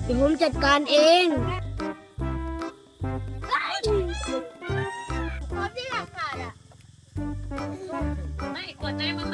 ดี๋ยวผมจัดการเองพร้อมที่หลักฐานอ่ะไม่กดใจมา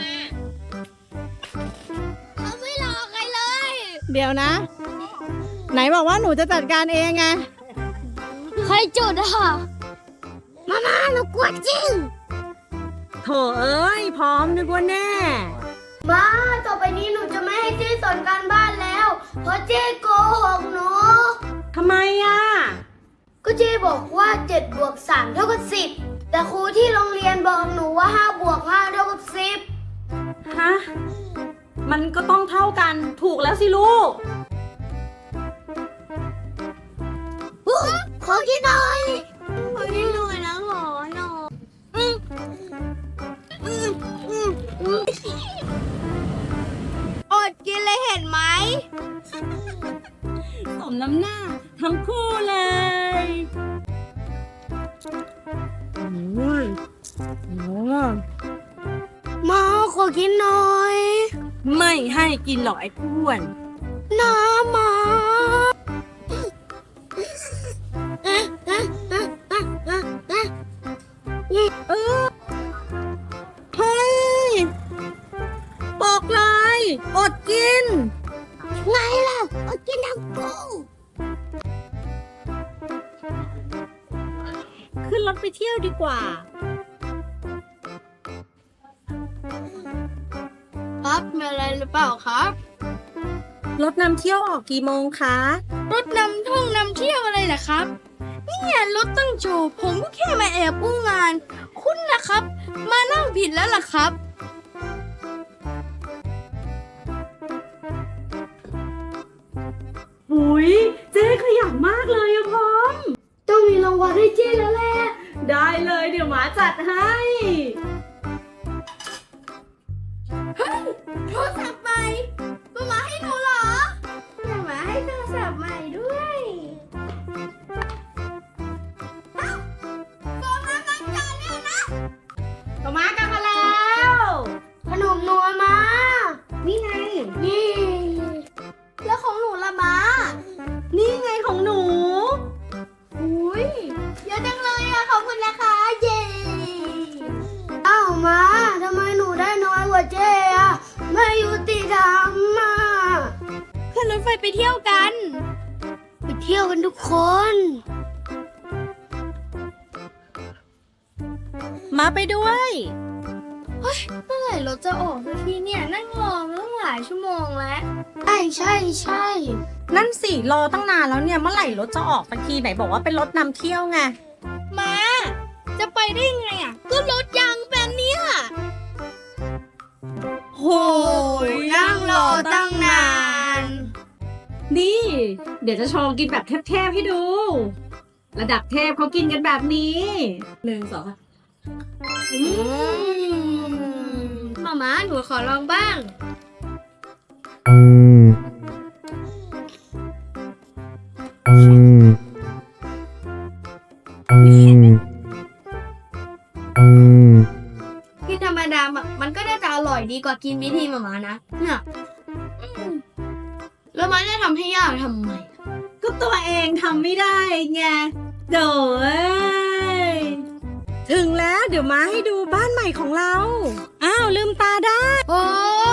เขาไม่รอใครเลยเดี๋ยวนะ ไหนบอกว่าหนูจะจัดการเองไงใครจุดอะค่ะมาหนูกลัวจริงโถเอ้ย พร้อมนึกว่าแน่มาต่อไปนี้หนูจะไม่ให้เจ๊สอนการบ้านแล้ว เพราะเจ๊โกหกหนูทำไมอ่ะก็เจ๊บอกว่า7 บวก 3 เท่ากับ 10 แต่ครูที่โรงเรียนบอกหนูว่า5 บวก 5 เท่ากับ 10 ฮะ มันก็ต้องเท่ากัน ถูกแล้วสิลูกขอกินหน่อยขอกินหน่อยนะขอหน่อยอดกินเลยเห็นไหมสมน้ำหน้าทั้งคู่เลยมาขอกินหน่อยไม่ให้กินหรอกไอ้อ้วนน้ำมาเฮ้ย บอกเลย อดกินไงล่ะอดกินทั้งกูขึ้นรถไปเที่ยวดีกว่าครับมีอะไรหรือเปล่าครับรถนำเที่ยวออกกี่โมงคะรถนำท่องนำเที่ยวอะไรล่ะครับเนี่ยรถตั้งโชว์ผมก็แค่มาแอบอู้งาน คุณนะครับ มานั่งผิดแล้วล่ะครับหุยเจ๊ขยันมากเลยอะพร้อมต้องมีรางวัลให้เจ๊แล้วแหละได้เลยเดี๋ยวหมาจัดให้โทรศัพท์ใหม่มาให้หนูเหรอมาให้โทรศัพท์ใหม่ด้วยเอ้าโฟนมาตั้งใจเนี่ยนะก็มากลับมาแล้วขนมนัวมานี่ไงนี่ แล้วของหนูละมานี่ไงของหนูอุ้ยเยอะจังเลยอะขอบคุณนะคะเย้อ้าวมาทำไมหนูได้น้อยกว่าเจ๊อะไม่ยุติธรรมอะขึ้นรถไฟไปเที่ยวกัน ไปเที่ยวกันทุกคนมาไปด้วยเมื่อไหร่รถจะออกสักทีเนี่ยนั่งรอมาตั้งหลายชั่วโมงแล้วใช่นั่นสิรอตั้งนานแล้วเนี่ยเมื่อไหร่รถจะออกสักทีไหนบอกว่าเป็นรถนำเที่ยวไงมาจะไปได้ไงอ่ะก็รถยางแบบเนี้ยโหนั่งรอตั้งนานนี่ เดี๋ยวจะโชว์กินแบบเทพๆให้ดู ระดับเทพเขากินกันแบบนี้1 2 มาหนูขอลองบ้าง ที่ธรรมดามันก็น่าจะอร่อยดีกว่ากินวิธีมานะเนี่ยแล้วมันจะทำให้ยากทำไมก็ตัวเองทำไม่ได้ไงโดยถึงแล้วเดี๋ยวมาให้ดูบ้านใหม่ของเรา อ้าวลืมตาได้โอ้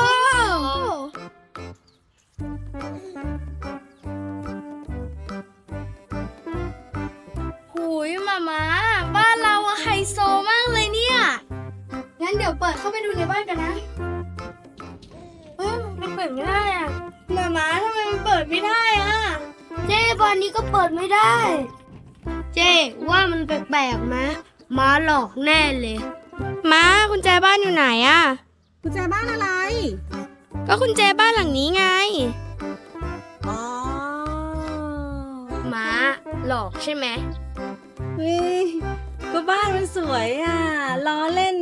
หูยมาบ้านเราอะไฮโซมากเลยเนี่ยงั้นเดี๋ยวเปิดเข้าไปดูในบ้านกันนะมันเปิดไม่ได้อะมาทำไมมันเปิดไม่ได้อะเจ๊บ้านนี้ก็เปิดไม่ได้ เจ๊ว่ามันแปลกๆนะม้าหลอกแน่เลยม้ากุญแจบ้านอยู่ไหนอะกุญแจบ้านอะไรก็กุญแจบ้านหลังนี้ไงอ๋อม้าหลอกใช่ไหมเฮ้ยก็บ้านมันสวยอ่ะล้อเล่น